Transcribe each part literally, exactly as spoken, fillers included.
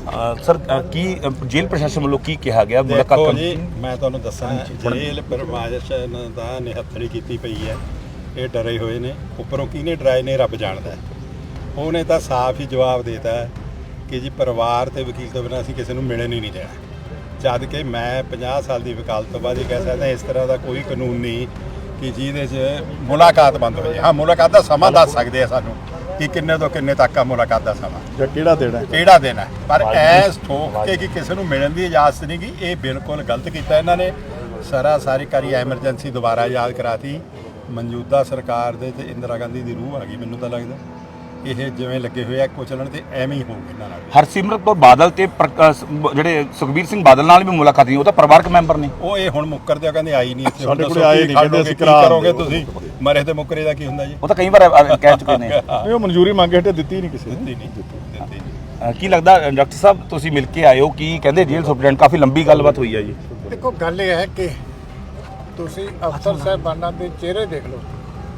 Sir ਕੀ ਜੇਲ੍ਹ ਪ੍ਰਸ਼ਾਸਨ ਵੱਲੋਂ ਕੀ ਕਿਹਾ ਗਿਆ ਮੁਲਾਕਾਤ ਦੇਖੋ ਜੀ ਮੈਂ ਤੁਹਾਨੂੰ ਦੱਸਾਂ ਜੇਲ੍ਹ ਪ੍ਰਸ਼ਾਸਨ ਦਾ ਨਿਹੱਥੜੀ ਕੀਤੀ ਪਈ ਹੈ। ਇਹ ਡਰੇ ਹੋਏ ਨੇ, ਉੱਪਰੋਂ ਕਿਹਨੇ ਡਰਾਏ ਨੇ ਰੱਬ ਜਾਣਦਾ। ਉਹਨੇ ਤਾਂ ਸਾਫ਼ ਹੀ ਜਵਾਬ ਦੇਤਾ ਕਿ ਜੀ ਪਰਿਵਾਰ ਤੇ ਵਕੀਲ ਤੋਂ ਬਿਨਾਂ ਅਸੀਂ ਕਿਸੇ ਨੂੰ ਮਿਲਣ ਹੀ ਨਹੀਂ ਦੇਣਾ। ਜਦ ਕਿ ਮੈਂ ਪੰਜਾਹ ਸਾਲ ਦੀ ਵਕਾਲਤ ਤੋਂ ਬਾਅਦ ਇਹ ਕਹਿ ਸਕਦਾ ਇਸ ਤਰ੍ਹਾਂ ਦਾ ਕੋਈ ਕਾਨੂੰਨ ਨਹੀਂ ਕਿ ਜਿਹਦੇ 'ਚ ਮੁਲਾਕਾਤ ਬੰਦ ਹੋ ਜਾਏ। ਹਾਂ, ਮੁਲਾਕਾਤ ਦਾ ਸਮਾਂ ਦੱਸ ਸਕਦੇ ਆ ਸਾਨੂੰ ਕਿ ਕਿੰਨੇ ਤੋਂ ਕਿੰਨੇ ਤੱਕ ਆ ਮੁਲਾਕਾਤ ਦਾ ਸਮਾਂ ਜਾਂ ਕਿਹੜਾ ਦੇਣਾ ਕਿਹੜਾ ਦੇਣਾ, ਪਰ ਐਸ ਠੋਕ ਕੇ ਕਿ ਕਿਸੇ ਨੂੰ ਮਿਲਣ ਦੀ ਇਜਾਜ਼ਤ ਨਹੀਂ ਗੀ, ਇਹ ਬਿਲਕੁਲ ਗਲਤ ਕੀਤਾ ਇਹਨਾਂ ਨੇ। ਸਾਰਾ ਸਾਰੀ ਕਾਰੀ ਐਮਰਜੈਂਸੀ ਦੁਬਾਰਾ ਯਾਦ ਕਰਾਤੀ। ਮੌਜੂਦਾ ਸਰਕਾਰ ਦੇ ਤੇ ਇੰਦਰਾ ਗਾਂਧੀ ਦੀ ਰੂਹ ਆ ਗਈ ਮੈਨੂੰ ਤਾਂ ਲੱਗਦਾ। ਇਹ ਜਿਵੇਂ ਲੱਗੇ ਹੋਏ ਆ ਕੁਚਲਣ ਤੇ ਐਵੇਂ ਹੀ ਹੋਊਗਾ ਇਹਨਾਂ ਨਾਲ। ਹਰਸਿਮਰਤ ਕੌਰ ਬਾਦਲ ਤੇ ਜਿਹੜੇ ਸੁਖਬੀਰ ਸਿੰਘ ਬਾਦਲ ਨਾਲ ਵੀ ਮੁਲਾਕਾਤ ਨਹੀਂ, ਉਹ ਤਾਂ ਪਰਿਵਾਰਕ ਮੈਂਬਰ ਨੇ। ਉਹ ਇਹ ਹੁਣ ਮੁੱਕਰਦੇ ਆ, ਕਹਿੰਦੇ ਆਈ ਨਹੀਂ ਇੱਥੇ। ਸਾਡੇ ਕੋਲ ਆਏ ਨਹੀਂ, ਕਹਿੰਦੇ ਅਸੀਂ ਕਰਾ ਕਰੋਗੇ ਤੁਸੀਂ ਮਰੇ ਤੇ ਮੁੱਕਰੇ ਦਾ ਕੀ ਹੁੰਦਾ ਜੀ। ਉਹ ਤਾਂ ਕਈ ਵਾਰ ਕਹਿ ਚੁੱਕੇ ਨੇ। ਨਹੀਂ, ਉਹ ਮਨਜ਼ੂਰੀ ਮੰਗੇ ਹਟੇ ਦਿੱਤੀ ਨਹੀਂ ਕਿਸੇ ਨੇ। ਦਿੱਤੀ ਨਹੀਂ ਦਿੱਤੀ ਨਹੀਂ। ਕੀ ਲੱਗਦਾ ਡਾਕਟਰ ਸਾਹਿਬ ਤੁਸੀਂ ਮਿਲ ਕੇ ਆਏ ਹੋ, ਕੀ ਕਹਿੰਦੇ ਜੇਲ੍ਹ ਸੁਪਰਡੈਂਟ? ਕਾਫੀ ਲੰਬੀ ਗੱਲਬਾਤ ਹੋਈ ਹੈ ਜੀ। ਦੇਖੋ ਗੱਲ ਇਹ ਹੈ ਕਿ ਤੁਸੀਂ ਅਫਸਰ ਸਾਹਿਬਾਨਾਂ ਦੇ ਚਿਹਰੇ ਦੇਖ ਲਓ,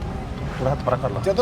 ਜਦੋਂ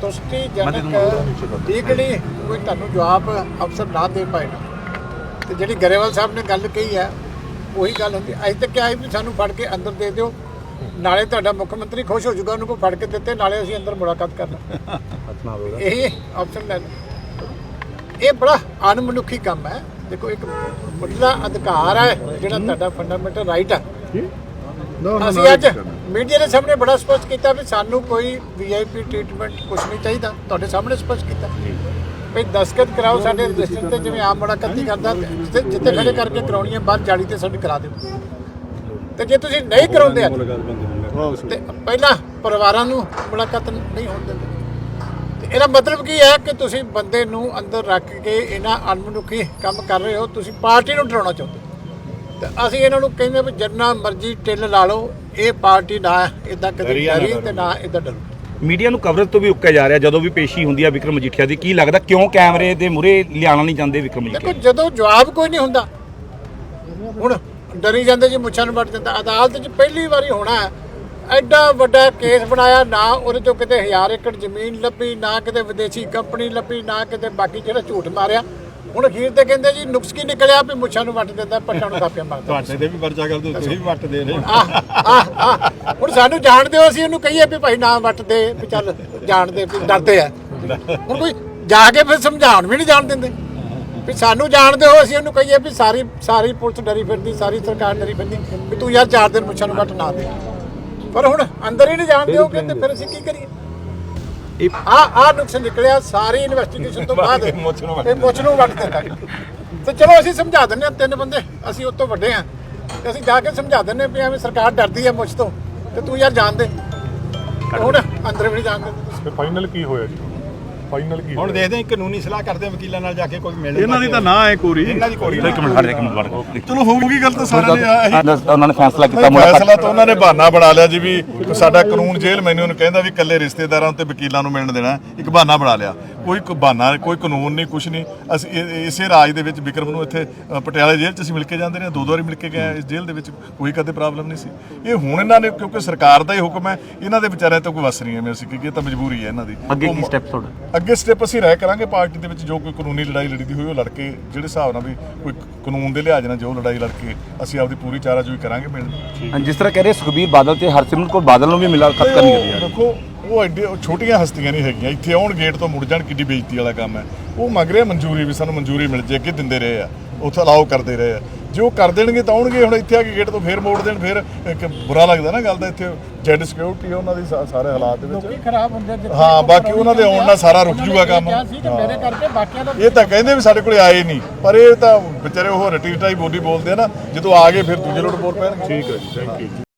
ਸੰਤੁਸ਼ਟੀਜਨਕ ਡੀਕੜੀ ਕੋਈ ਤੁਹਾਨੂੰ ਜਵਾਬ ਅਫਸਰ ਨਾ ਦੇ ਪਾਏ ਨਾ, ਤੇ ਜਿਹੜੀ ਗਰੇਵਾਲ ਸਾਹਿਬ ਨੇ ਗੱਲ ਕਹੀ ਹੈ ਉਹੀ ਗੱਲ ਹੁੰਦੀ। ਅੱਜ ਤੱਕ ਕਿਹਾ ਵੀ ਸਾਨੂੰ ਫੜ ਕੇ ਅੰਦਰ ਦੇ ਦਿਓ, ਨਾਲੇ ਤੁਹਾਡਾ ਮੁੱਖ ਮੰਤਰੀ ਖੁਸ਼ ਹੋ ਜਾਊਗਾ ਉਹਨੂੰ ਕੋ ਫੜ ਕੇ ਦਿੱਤੇ, ਨਾਲੇ ਅਸੀਂ ਅੰਦਰ ਮੁਲਾਕਾਤ ਕਰਨਾ। ਇਹ ਆਪਸ਼ਨ ਲੈ ਲਓ। ਇਹ ਬੜਾ ਅਣਮਨੁੱਖੀ ਕੰਮ ਹੈ। ਦੇਖੋ ਇੱਕ ਮੁੱਢਲਾ ਅਧਿਕਾਰ ਹੈ ਜਿਹੜਾ ਤੁਹਾਡਾ ਫੰਡਾਮੈਂਟਲ ਰਾਈਟ ਹੈ। ਅਸੀਂ ਅੱਜ ਮੀਡੀਆ ਦੇ ਸਾਹਮਣੇ ਬੜਾ ਸਪਸ਼ਟ ਕੀਤਾ ਵੀ ਸਾਨੂੰ ਕੋਈ ਵੀ ਆਈ ਪੀ ਟ੍ਰੀਟਮੈਂਟ ਕੁਝ ਨਹੀਂ ਚਾਹੀਦਾ। ਤੁਹਾਡੇ ਸਾਹਮਣੇ ਸਪਸ਼ਟ ਕੀਤਾ ਵੀ ਦਸਤਖਤ ਕਰਾਓ ਸਾਡੇ ਰਜਿਸਟਰ ਤੇ, ਜਿਵੇਂ ਆਮ ਮੁਲਾਕਾਤ ਕਰਦਾ ਜਿੱਥੇ ਖੜੇ ਕਰਕੇ ਕਰਾਉਣੀ ਹੈ ਬਾਹਰ ਜਾਲੀ ਤੇ ਸਾਡੀ ਕਰਾ ਦਿਓ। ਤੇ ਜੇ ਤੁਸੀਂ ਨਹੀਂ ਕਰਾਉਂਦੇ ਤੇ ਪਹਿਲਾਂ ਪਰਿਵਾਰਾਂ ਨੂੰ ਮੁਲਾਕਾਤ ਨਹੀਂ ਹੋਣ ਦਿੰਦੇ। ਤੇ ਇਹਦਾ ਮਤਲਬ ਕੀ ਹੈ ਕਿ ਤੁਸੀਂ ਬੰਦੇ ਨੂੰ ਅੰਦਰ ਰੱਖ ਕੇ ਇਹਨਾਂ ਅਣਮਨੁੱਖੀ ਕੰਮ ਕਰ ਰਹੇ ਹੋ। ਤੁਸੀਂ ਪਾਰਟੀ ਨੂੰ ਡਰਾਉਣਾ ਚਾਹੁੰਦੇ। ਤੇ ਅਸੀਂ ਇਹਨਾਂ ਨੂੰ ਕਹਿੰਦੇ ਵੀ ਜਿੰਨਾ ਮਰਜ਼ੀ ਟਿੱਲ ਲਾ ਲਓ, ਇਹ ਪਾਰਟੀ ਨਾ ਇਦਾਂ ਕਦੇ ਡਰੀ ਤੇ ਨਾ ਇਦਾਂ ਡਰੂ। ਮੀਡੀਆ ਨੂੰ ਕਵਰੇਜ ਤੋਂ ਵੀ ਉੱਕਿਆ ਜਾ ਰਿਹਾ ਜਦੋਂ ਵੀ ਪੇਸ਼ੀ ਹੁੰਦੀ ਹੈ ਵਿਕਰਮ ਮਜੀਠੀਆ ਦੀ। ਕੀ ਲੱਗਦਾ ਕਿਉਂ ਕੈਮਰੇ ਦੇ ਮੂਹਰੇ ਲਿਆਉਣਾ ਨਹੀਂ ਚਾਹੁੰਦੇ ਵਿਕਰਮ ਮਜੀਠੀਆ? ਦੇਖੋ ਜਦੋਂ ਜਵਾਬ ਕੋਈ ਨਹੀਂ ਹੁੰਦਾ, ਹੁਣ ਡਰੀ ਜਾਂਦੇ ਜੀ, ਮੁੱਛਾਂ ਨੂੰ ਵੱਟ ਦਿੰਦਾ। ਅਦਾਲਤ 'ਚ ਪਹਿਲੀ ਵਾਰੀ ਹੋਣਾ ਹੈ, ਐਡਾ ਵੱਡਾ ਕੇਸ ਬਣਾਇਆ, ਨਾ ਉਹਦੇ ਤੋਂ ਕਿਤੇ ਹਜ਼ਾਰ ਏਕੜ ਜ਼ਮੀਨ ਲੱਭੀ, ਨਾ ਕਿਤੇ ਵਿਦੇਸ਼ੀ ਕੰਪਨੀ ਲੱਭੀ, ਨਾ ਕਿਤੇ ਬਾਕੀ ਜਿਹੜਾ ਝੂਠ ਮਾਰਿਆ। ਹੁਣ ਅਖੀਰ ਤੇ ਕਹਿੰਦੇ ਜੀ ਨੁਕਸ ਕੀ ਨਿਕਲਿਆ ਵੀ ਮੁੱਛਾਂ ਨੂੰ ਵੱਟ ਦਿੰਦਾ, ਪੱਟਾਂ ਨੂੰ ਕਾਪੀਆਂ ਮਾਰਦਾ। ਤੁਹਾਡੇ ਤੇ ਵੀ ਪਰਚਾ ਕਰ ਦਿਓ, ਤੁਸੀਂ ਵੀ ਵੱਟ ਦੇ ਰਹੇ। ਆਹ ਆਹ ਹੁਣ ਸਾਨੂੰ ਜਾਣ ਦਿਓ, ਅਸੀਂ ਉਹਨੂੰ ਕਹੀਏ ਵੀ ਭਾਈ ਨਾ ਵੱਟ ਦੇ, ਵੀ ਚੱਲ ਜਾਣ ਦੇ, ਵੀ ਡਰਦੇ ਆ। ਹੁਣ ਕੋਈ ਜਾ ਕੇ ਫਿਰ ਸਮਝਾਉਣ ਵੀ ਨਹੀਂ ਜਾਣ ਦਿੰਦੇ ਵੀ ਸਾਨੂੰ ਜਾਣ ਦਿਓ। ਅਸੀਂ ਉਹਨੂੰ ਕਹੀਏ ਵੀ ਸਾਰੀ ਸਾਰੀ ਪੁਲਿਸ ਡਰੀ ਫਿਰਦੀ, ਸਾਰੀ ਸਰਕਾਰ ਡਰੀ ਫਿਰਦੀ ਵੀ ਤੂੰ ਯਾਰ ਚਾਰ ਦਿਨ ਮੁੱਛਾਂ ਨੂੰ ਵੱਟ ਨਾ ਦੇ। ਪਰ ਹੁਣ ਅੰਦਰ ਹੀ ਨਹੀਂ ਜਾਣ ਦਿਓਗੇ ਤੇ ਫਿਰ ਅਸੀਂ ਕੀ ਕਰੀਏ? ਆ ਆ ਨੁਕਸ ਨਿਕਲਿਆ ਸਾਰੀ ਇਨਵੈਸਟੀਗੇਸ਼ਨ ਤੋਂ ਬਾਅਦ ਇਹ ਮੁੱਛ ਨੂੰ ਵੱਟ ਦਿੰਦਾ। ਤੇ ਚਲੋ ਅਸੀਂ ਸਮਝਾ ਦਿੰਦੇ ਹਾਂ, ਤਿੰਨ ਬੰਦੇ ਅਸੀਂ ਉਸ ਤੋਂ ਵੱਡੇ ਹਾਂ, ਤੇ ਅਸੀਂ ਜਾ ਕੇ ਸਮਝਾ ਦਿੰਦੇ ਵੀ ਐਵੇਂ ਸਰਕਾਰ ਡਰਦੀ ਹੈ ਮੁੱਛ ਤੋਂ, ਤੇ ਤੂੰ ਯਾਰ ਜਾਣ ਦੇ। ਹੁਣ ਅੰਦਰ ਵੀ ਨਹੀਂ ਜਾਣ ਦਿੰਦੇ। ਫਾਈਨਲ ਕੀ ਹੋਇਆ ਜੀ? ਫਾਈਨਲ ਕੀ ਹੁਣ ਦੇਖਦੇ ਹਾਂ, ਕਾਨੂੰਨੀ ਸਲਾਹ ਕਰਦੇ ਵਕੀਲਾਂ ਨਾਲ ਜਾ ਕੇ ਕੋਈ ਮਿਲ। ਇਹਨਾਂ ਦੀ ਤਾਂ ਨਾ ਹੈ ਕੋਰੀ, ਇਹਨਾਂ ਦੀ ਕੋਰੀ। ਇੱਕ ਮਿੰਟ, ਇੱਕ ਮਿੰਟ। ਚਲੋ ਹੋਊਗੀ ਗੱਲ ਤਾਂ ਸਾਰਿਆਂ ਨੇ। ਉਹਨਾਂ ਨੇ ਫੈਸਲਾ ਕੀਤਾ ਫੈਸਲਾ ਤਾਂ ਉਹਨਾਂ ਨੇ ਬਹਾਨਾ ਬਣਾ ਲਿਆ ਜੀ ਵੀ ਸਾਡਾ ਕਾਨੂੰਨ ਜੇਲ੍ਹ ਮੈਨੂੰ ਨੂੰ ਕਹਿੰਦਾ ਵੀ ਇਕੱਲੇ ਰਿਸ਼ਤੇਦਾਰਾਂ ਤੇ ਵਕੀਲਾਂ ਨੂੰ ਮਿਲਣ ਦੇਣਾ। ਇੱਕ ਬਹਾਨਾ ਬਣਾ ਲਿਆ, ਕੋਈ ਬਹਾਨਾ, ਕੋਈ ਕਾਨੂੰਨ ਨਹੀਂ, ਕੁਛ ਨਹੀਂ। ਅਸੀਂ ਇਸੇ ਰਾਜ ਦੇ ਵਿੱਚ ਵਿਕਰਮ ਨੂੰ ਇੱਥੇ ਪਟਿਆਲਾ ਜੇਲ੍ਹ 'ਚ ਅਸੀਂ ਮਿਲ ਕੇ ਜਾਂਦੇ ਰਹੇ, ਦੋ ਦੋ ਵਾਰੀ ਮਿਲ ਕੇ ਗਏ ਇਸ ਜੇਲ੍ਹ ਦੇ ਵਿੱਚ, ਕੋਈ ਕਦੇ ਪ੍ਰੋਬਲਮ ਨਹੀਂ ਸੀ। ਇਹ ਹੁਣ ਇਹਨਾਂ ਨੇ, ਕਿਉਂਕਿ ਸਰਕਾਰ ਦਾ ਹੀ ਹੁਕਮ ਹੈ, ਇਹਨਾਂ ਦੇ ਵਿਚਾਰਿਆਂ ਤੋਂ ਕੋਈ ਵਸ ਨਹੀਂ ਐਵੇਂ ਅਸੀਂ ਕਿ ਇਹ ਤਾਂ ਮਜਬੂਰੀ ਹੈ ਇਹਨਾਂ ਦੀ। ਅੱਗੇ ਕੀ ਸਟੈਪ ਤੁਹਾਡਾ? ਅੱਗੇ ਸਟੈਪ ਅਸੀਂ ਰਹਿ ਕਰਾਂਗੇ ਪਾਰਟੀ ਦੇ ਵਿੱਚ, ਜੋ ਕੋਈ ਕਾਨੂੰਨੀ ਲੜਾਈ ਲੜੀਦੀ ਹੋਈ ਉਹ ਲੜ ਕੇ, ਜਿਹੜੇ ਹਿਸਾਬ ਨਾਲ ਵੀ ਕੋਈ ਕਾਨੂੰਨ ਦੇ ਲਿਹਾਜ਼ ਨਾਲ ਜੋ ਲੜਾਈ ਲੜ ਕੇ ਅਸੀਂ ਆਪਦੀ ਪੂਰੀ ਚਾਰਾਜੋਈ ਕਰਾਂਗੇ। ਮਿਲ ਜਿਸ ਤਰ੍ਹਾਂ ਕਹਿ ਰਹੇ ਸੁਖਬੀਰ ਬਾਦਲ ਤੇ ਹਰਸਿਮਰਤ ਕੌਰ ਬਾਦਲ ਨੂੰ ਵੀ ਮੁਲਾਕਾਤ ਕਰਨੀ ਹੈ। ਦੇਖੋ ਉਹ ਐਡੇ ਛੋਟੀਆਂ ਹਸਤੀਆਂ ਨਹੀਂ ਹੈਗੀਆਂ, ਇੱਥੇ ਆਉਣ ਗੇਟ ਤੋਂ ਮੁੜ ਜਾਣ ਕਿੱਡੀ ਬੇਇੱਜ਼ਤੀ ਵਾਲਾ ਕੰਮ ਹੈ। ਉਹ ਮੰਗ ਰਿਹਾ ਮਨਜ਼ੂਰੀ, ਵੀ ਸਾਨੂੰ ਮਨਜ਼ੂਰੀ ਮਿਲ ਜੇ। ਅੱਗੇ ਦਿੰਦੇ ਰਹੇ ਆ, ਉੱਥੇ ਅਲਾਓ ਕਰਦੇ ਰਹੇ ਆ। ਜੇ ਉਹ ਕਰ ਦੇਣਗੇ ਤਾਂ ਆਉਣਗੇ। ਹੁਣ ਇੱਥੇ ਆ ਕੇ ਗੇਟ ਤੋਂ ਫੇਰ ਮੋੜ ਦੇਣ, ਫਿਰ ਇੱਕ ਬੁਰਾ ਲੱਗਦਾ ਨਾ ਗੱਲ ਦਾ। ਇੱਥੇ ਜੈਡ ਸਿਕਿਉਰਿਟੀ ਹੈ ਉਹਨਾਂ ਦੀ ਸਾਰੇ ਹਾਲਾਤ ਦੇ ਵਿੱਚ ਖਰਾਬ ਹੁੰਦੇ। ਹਾਂ, ਬਾਕੀ ਉਹਨਾਂ ਦੇ ਆਉਣ ਨਾਲ ਸਾਰਾ ਰੁਕ ਜੂਗਾ ਕੰਮ। ਮੇਰੇ ਕਰਕੇ ਬਾਕੀਆਂ ਦਾ ਇਹ ਤਾਂ ਕਹਿੰਦੇ ਵੀ ਸਾਡੇ ਕੋਲੇ ਆਏ ਨਹੀਂ, ਪਰ ਇਹ ਤਾਂ ਵਿਚਾਰੇ ਉਹ ਰਟੀ ਰਟਾਈ ਬੋਲੀ ਬੋਲਦੇ ਆ ਨਾ, ਜਦੋਂ ਆ ਗਏ ਫਿਰ ਦੂਜੇ ਲੋਟ ਬੋਲ ਪੈਣਗੇ। ਠੀਕ ਹੈ ਜੀ, ਥੈਂਕ ਯੂ।